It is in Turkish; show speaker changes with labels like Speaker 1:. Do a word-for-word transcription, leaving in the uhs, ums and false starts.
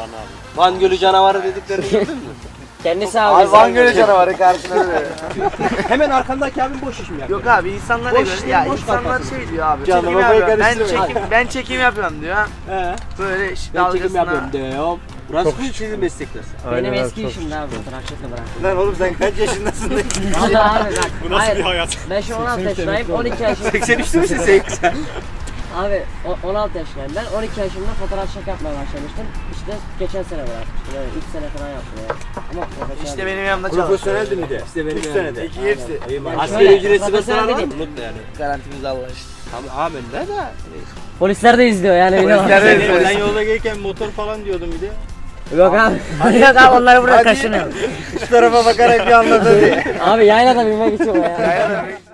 Speaker 1: abi. Van Gölü canavarı dediklerini gördün mü?
Speaker 2: Kendisi abi.
Speaker 3: Abi Van Gölü canavarı karşına böyle.
Speaker 1: Hemen arkandaki abim boş iş mi yapıyor?
Speaker 3: Yok abi insanlar
Speaker 1: Boş
Speaker 3: göre
Speaker 1: işlerin
Speaker 3: ya
Speaker 1: boş
Speaker 3: insanlar
Speaker 1: kafası.
Speaker 3: şey diyor abi.
Speaker 1: Canım,
Speaker 3: Çekim
Speaker 1: kafayı
Speaker 3: yapıyorum. Ben
Speaker 1: karıştırmayın.
Speaker 3: çekim ben çekim yapıyorum diyor.
Speaker 1: He.
Speaker 3: Böyle işte
Speaker 1: Ben çekim
Speaker 3: dalgasına.
Speaker 1: yapıyorum diyorum. Burası mı sizin meslekler?
Speaker 2: Benim eski işimdi abi fotoğrafçılıkla bıraktım.
Speaker 3: Lan oğlum sen kaç yaşındasın?
Speaker 2: Valla abi bak.
Speaker 4: Bu nasıl
Speaker 2: hayır,
Speaker 4: bir hayat?
Speaker 2: Ben şu on altı yaşındayım, on iki yaşındayım.
Speaker 1: seksen üçte misin seksen?
Speaker 2: Abi o- on altı yaşındayım ben, on iki yaşımda fotoğrafçılık yapmaya başlamıştım. İşte geçen sene bırakmıştım, yani üç sene falan yaptım yani. Ama profesyonel
Speaker 3: İşte
Speaker 2: değil.
Speaker 3: benim yanımda çalışıyor.
Speaker 1: Profesyoneldi mi de? İşte benim
Speaker 3: üç
Speaker 1: yanımda.
Speaker 3: senede. İki hepsi.
Speaker 1: İyi bak.
Speaker 2: Yani
Speaker 1: Asgari
Speaker 2: şöyle,
Speaker 1: ücretsiz
Speaker 2: profesyonel
Speaker 1: restoran var mı?
Speaker 2: dediğim-
Speaker 1: Mutlu yani.
Speaker 3: Garantimiz Allah işte.
Speaker 1: Tamam amenna da.
Speaker 2: Polisler de izliyor yani.
Speaker 3: Polisler de izliyor.
Speaker 4: Sen yolda gelirken motor falan diyordun bir de.
Speaker 2: Yok abi. Yok abi onları buraya kaşınıyor.
Speaker 3: Şu tarafa bakarak bir anladı diye.
Speaker 2: Abi yaylada binmek için o ya.
Speaker 3: Ya, ya,